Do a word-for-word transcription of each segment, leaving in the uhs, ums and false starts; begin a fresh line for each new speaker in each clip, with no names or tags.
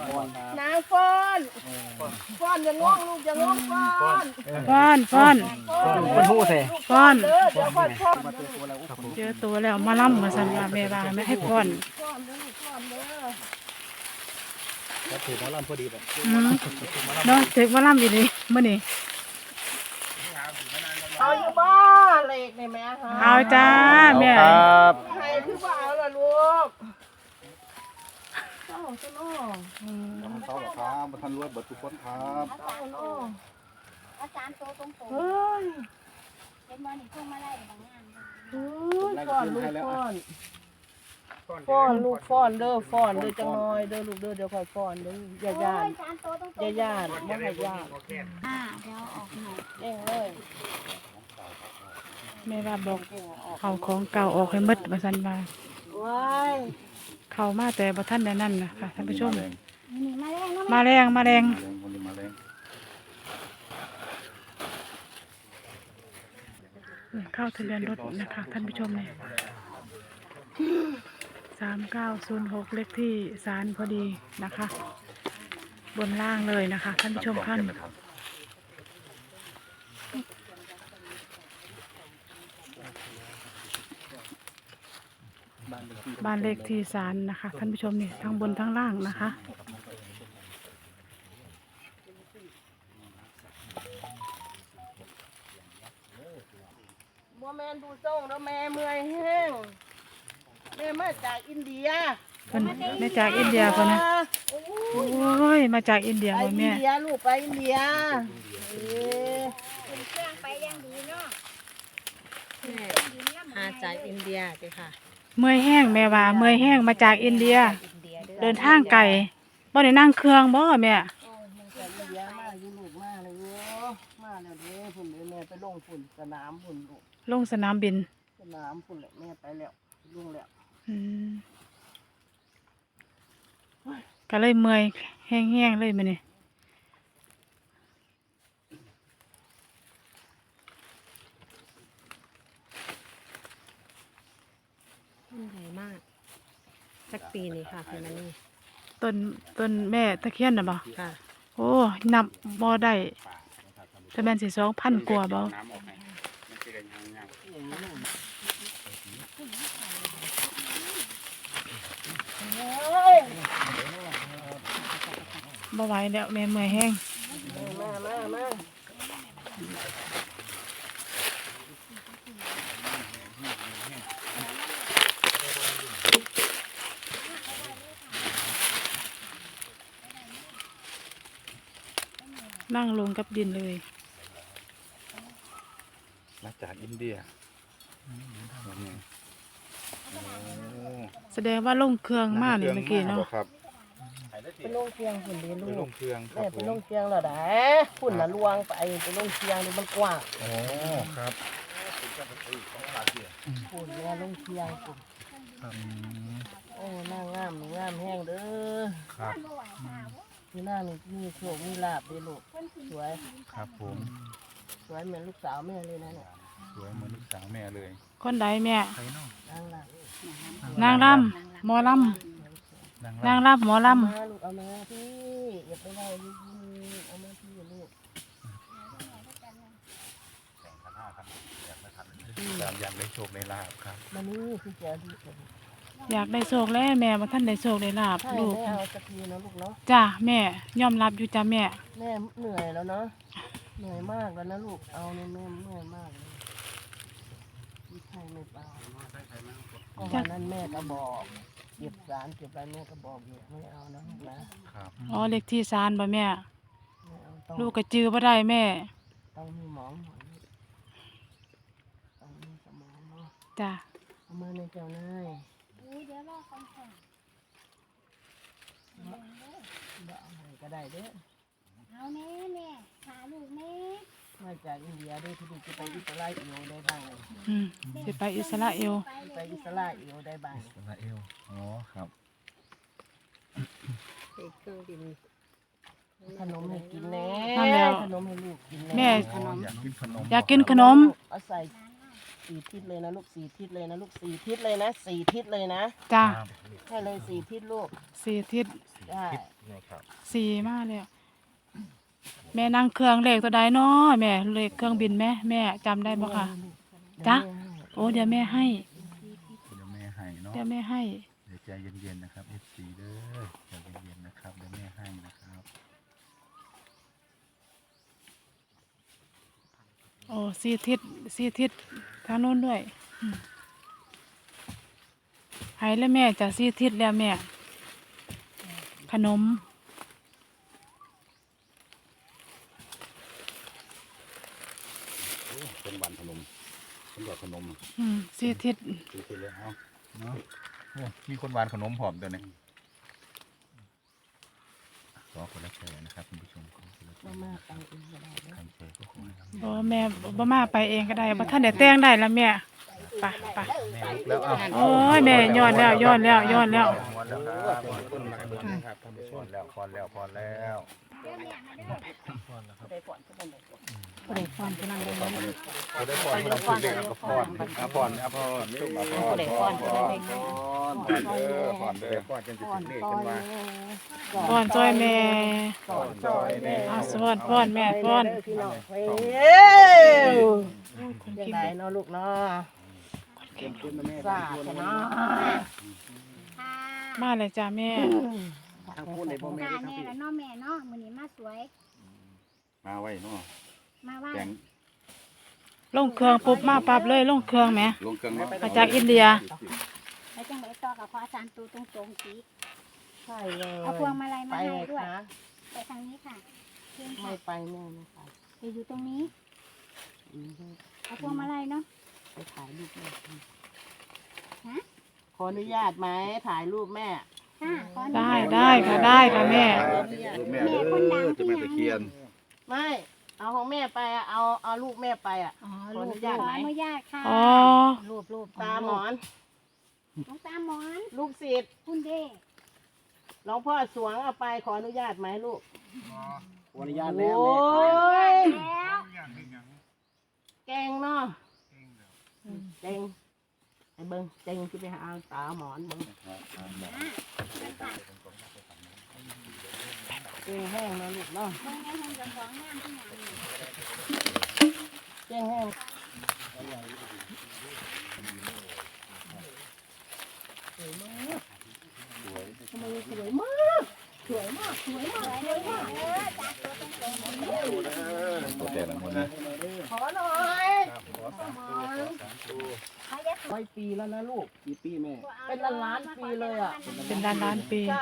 นางฟ้อนฟ้อนอย่างงงลูกอย่างงงฟ้อน
ฟ้อนฟ้อน
เป็นหู้ใส่
ฟ้อน
เด้อเดี๋ยวฟ้อนฟ้อน
เจอตัวแล้วมาล่ำมาสัญญาแม่ว่าไม่ให้ฟ้อน
ฟ้อนเด้อฟ้อนเด้อ
ก็ถือว่าลำพอดีแบบ
อืมเนาะถึงมาล่ำอยู่นี่มื้อนี้
เอาอยู่บ้าเล็กนี่แม่ฮะ
เอาจ้าแม่
ครับ
ใครคือบ่เอาล่ะลูกเจ้าเจ้าน้อ
เขาหรอครับท่านรวยเบิดทุกคนครับ
เจ้าน้อ
อาจารย์โตตรงๆ
เฮ้ย
เป็นวันนี้ช่วงมาไล่บางงาน
เฮ้ยฟ้อนลูกฟ้อนฟ้อนลูกฟ้อนเด้อฟ้อนเด้อจังน้อยเด้อลูกเด้อเดี๋ยวค่อยฟ้อนเด้ออย่าย่าน
อาจารย์โตตรงๆ
อย่าย่านบ่ให้ย่าน
อ่าเดี๋ยวออกหน่อย
เองเลย
แม่ว่าบอกเขาของเก่าออกให้หมดมาสันว่า
ว้าย
เข้ามาแต่บ่ทันได้นั่นนะค่ะท่านผู้ชม
นี่มาแรงเนาะ
มาแรงมาแรง
วันนี้มาแรง
เข้าทะเบียนรถนะคะท่านผู้ชมเนี่ยสามเก้าศูนย์หกเลขที่ศาลพอดีนะคะ บนล่างเลยนะคะท่านผู้ชมท่านบ้านเลขที่ศาลนะคะท่านผู้ชมนี่ทั้งบนทั้งล่างนะคะ
บ่แม่นดูส่งแล้วแม่เมื่อยแห้งแม่มาจากอินเดีย
เพิ่นมาจากอินเดียคนนะโอ้ยมาจากอินเดีย
ไป
บ่
อิน
แม่
เดียลูกไปอินเดียเอ้ย
เป็นเครื่องไปยังดีเนาะ
มาจากอินเดียสิค่ะ
เมื่อยแห้งแม่ว่าเมื่อยแห้งมาจากอินเดีย
อินเดียเด้อ
เดินทางไกลบ่ได้นั่งเครื่องบ่แม่
จากอินเดียมาอยู่ลูกมาเลยโยมาแล้วเด้อพุ่นเด้อแม่ไปลงพุ่นสนามพุ่นลูก
ลงสนามบิน
สนามพุ่นแหละแม่ไปแล้วลงแล้ว
อืมก็เลยเมื่อยแห้งๆเลยมื้อนี้
ต้นใหญ่มากสักปีนี้ค่ะคุณนันนี่
ต้นต้นแม่ตะเคียนน่ะบ่
ค่ะ
โอ้นับบ่ได้แต่แม่นสิสองพันกว่าบ่บ่ไหวแล้วแม่เมื่อยแห้ง
มามามา
นั่งลงกับดินเลย
มาจากอินเดียโอ้
แสดงว่าลงเครื่องมานี่เมื่อกี้เนาะ
ครับ
ไปลงเชียงพุ่นเด้อ
ไป
ลู
ล
ก
งเครื่องครั
แม่
บ
ไป
ผม
ลงเชียงแล้วได้พุ่นน่ะลวงไปไปลงเชียงนี่มันกว้าง
โอ้ครับ
พุ่นแม่ลงเชียงพุ่น
ครับ
โอ้นางงามนี่งามแห้งเด้อ
ครับ
นี่หน้านี่มีโชคมีลาบเด้อลูกสวย
ครับผม
สวยเหมือนลูกสาวแม่เลยนะเนี่ย
สวยเหมือนลูกสาวแม่เลย
คนใดแม่
ใครเนาะ
นางล่ะ
นางรำหมอลำ
นาง
นาง
ร
รำหมอล
มาลูกเอามาพี่อย่าไปไล่ลูกเอามาพี่ลูก
ำตามอยากได้โชคได้ลาบครับ
มานี่คือเจ้าดีคน
ำอยากได้โชคแล้วแม่มาท่านได้โชคได้ลาบ
ใช่
ลูก
แม่เอาสักทีนะลูกเนาะ
จ้าแม่ยอมรับอยู่จ้าแม่
แม่เหนื่อยแล้วเนาะเหนื่อยมากแล้วนะลูกเอาเนี่ยแม่เหนื่อยมากเลยไม่ใช่ไม่เปล่าก็วันนั้นแม่ก็บอกเก็บสารเก็บอะไรแม่ก็บอกอยู่ไม่เอานะลูกนะครับ
อ๋อเลขที่ศาลบ่แม่
ไม่เอาต้อง
ลูกก็จื้อบ่ได้แม่
ต้องมีหมองหน่อยลูกต้องมีสมองเนาะ
จ้า
เอามาในเจ้านาย
อุ้ยเดี๋ยวรอคอนเสิร์ต
บ่เอาให้ก็ได้เด้อ
เอาแม่แม่หาลูกแม่
มาจากอินเดียเด้อที่นี่จะไปอิสราเอลได้บ้าง
อืมสิไปอิสราเอล
ไปเล
ไป
ย
อิสราเอลได้บ้าง
อิสราเอลอ๋อครับ
อีกเครื่องบิน
ขนมให้กินแน่
นั่นแล้ว
ขนมให้ลูกกิน
แม่
ขนม
อยากกินขนม
อยากกินขนม
เอาใส่สี่ทิศเลยนะลูกสี่ทิศเลยนะลูกสี่ทิศเลยนะสี่ทิศเลยนะ
จ้า
ให้เลยสี่ทิศลูก
สี่ทิศ
ได้
นะครับ
สี่มาแล้วแม่นั่งเครื่องเลขตัวใดเนาะแม่เลขเครื่องบินแม่แม่จำได้บ่คะจ้าโอ้เดี๋ยวแม่ให้
เดี๋ยวแม่ให้เนาะ
เดี๋ยวแม่ให้
เดี๋ยวใจเย็นๆนะครับ เอฟ ซี เด้อใจเย็นๆนะครับเดี๋ยวแม่ให้นะครับ
โอ้สี่ทิศสี่ทิศทางโน้นด้วยอืมให้แล้วแม่จะสี่ทิศแล้วแม่ ขนม
เป็นวันขนมเป็นแบบขนม
อืมสี่ทิศ
ซื้อไปเลยเอาเนาะโอ้มีคนหวานขนมผอมตัวนี้ขอคนละแชร์นะครับคุณผู้ชมขอคนละแช
มา
ร์
มาไปเองก็ได้นะ
ใครแชร์ก็ขอให้ครับ
โอ้แม่บ่มาไปเองก็ได้บ่ท่านได้แต่งได้แล้วแม่ไปไป
แม่ลุกแล้วเอา
โอ้ยแม่ย้อนแล้วย้อนแล้วย้อนแล้ว
พอแล้วครับพอแล้วครับพอแล้วพอแล้วพอแล้ว
ได้ผ่อนก็ได้
บ่ได้ฟันกำลังเลย
พอได้พอเราคุยเรื่องกับพรอ่ะพรอ่ะพรจุ่มอ่ะพรพรพรพรเด้อพรเด้อพรกันจะ
ผ่อน
เลข
ก่อ
กัน นมา
ป้อนซอยแม่
ก่อนซอยแม่
เอาสวดป้อนแม่ป้อน
พี่น้องเฮ้ยยังไงเนาะลูกเนาะสาดเนาะ
ค่ะ
มาเลยจ้าแม่
ทางพูดในพ่อแม่
ค่ะ
ทั้ง
แม่
พี่
แล้วเนาะแม่เนาะมื้อนี้มาสวย
มาไว้เนาะ
มาว่า
แจง
ลงเครื่องปุ๊บมาปั๊บเลยลงเครื่องแหม
ลงเครื่องเนาะ
มาจากอินเดีย
แล้วจังไดต่อกับพระอาจารย์ตูตรงๆสิ
ใช่เลย
เอาพวงมาลัย
ไป
มาให้
เลย
ด้วย
คะ
ไปทางนี้ค่ะเชิญ
ไม่
ค่ะ
ไปแม่ไม่ไป
จะอยู่ตรงนี้
อืม
เอาพวงมาลัยเนาะ
ไปถ่ายรูปแม่
ฮะ
ขออนุญาตไหมถ่ายรูปแม่
ค่ะขออนุ
ได้
ญาต
ได้ค่ะได้ค่ะแม่
แม่เด้อจะแม่ตะเคียน
ไม่ เอาของแม่ไปอะเอาเอาลูกแม่ไปอ่ะ
อ๋อ
ขออนุ
ข
ญาต
อ
ไหม
อนุญาตค่ะ
อ๋อ
รูปรูป
ตาหมอน
น้องตาหมอน
ลูกศิษย์
คุณเด้
หลวงพ่อสวงเอาไปขออนุญาตไหมลูก
ขออนุญาตแล้ว
โอ้
แม่
ย
แล้ว
เก่งเนาะเก่งไอ้เบิ้งเก่งที่ไปหาตาหมอนเบิ้งเก่งแห้งเนาะลูกเนาะ
เบิ่งให้เพิ่นเจ้าของงามที่หยังนี่
เก่งแห้งสวยมากทำไมสวยมากสวยมากสวยมากสวยมาก
ตัวแต่ละคนนะ
ขอหน่อยร้อยปีแล้วนะลูก
กี่ปีแม่
เป็นล้านล้านปีเลยอ่ะ
เป็นล้านล้านปี
ใช่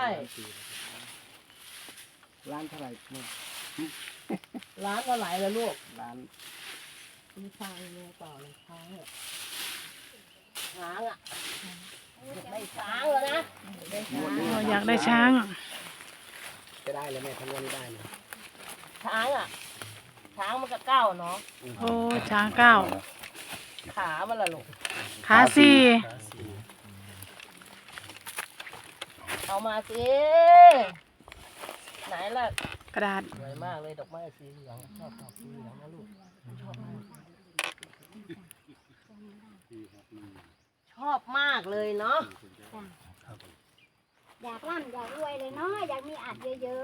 ร้านเท่าไหร่แม่
ล้านก็ไหลแล้วลูก
ร้าน
มีช้างเนี่ยต่อเลยช้างเนี่ยช้างอ่ะอยากได้ช้างแล้วนะได้ช้าง
เราอยากได้ช้าง
จะได้เลยแม่ทำวันนี้ได้เลย
ช้างอ่ะ ช้างมันก็เก้าเนาะ
โอ้ช้างเก้า
ขามันละลูก
ขาสี่
เอามาสิไหนล่ะ
กระดาษ
สวยมากเลยดอกไม้สีเหลืองชอบดอกสีเหลืองนะลูกชอบมากชอบมากเลยเนาะ
อยากร่ำอยากรวยเลยเนาะอยากมีอัดเยอะ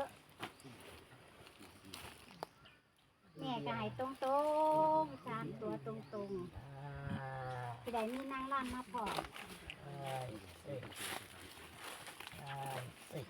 ๆแม่ก็ให้ตรงๆสามตัวตรง
อ่า
ๆที่ใดมีนางร่ำมาพอ
ใช่สิใช่สิ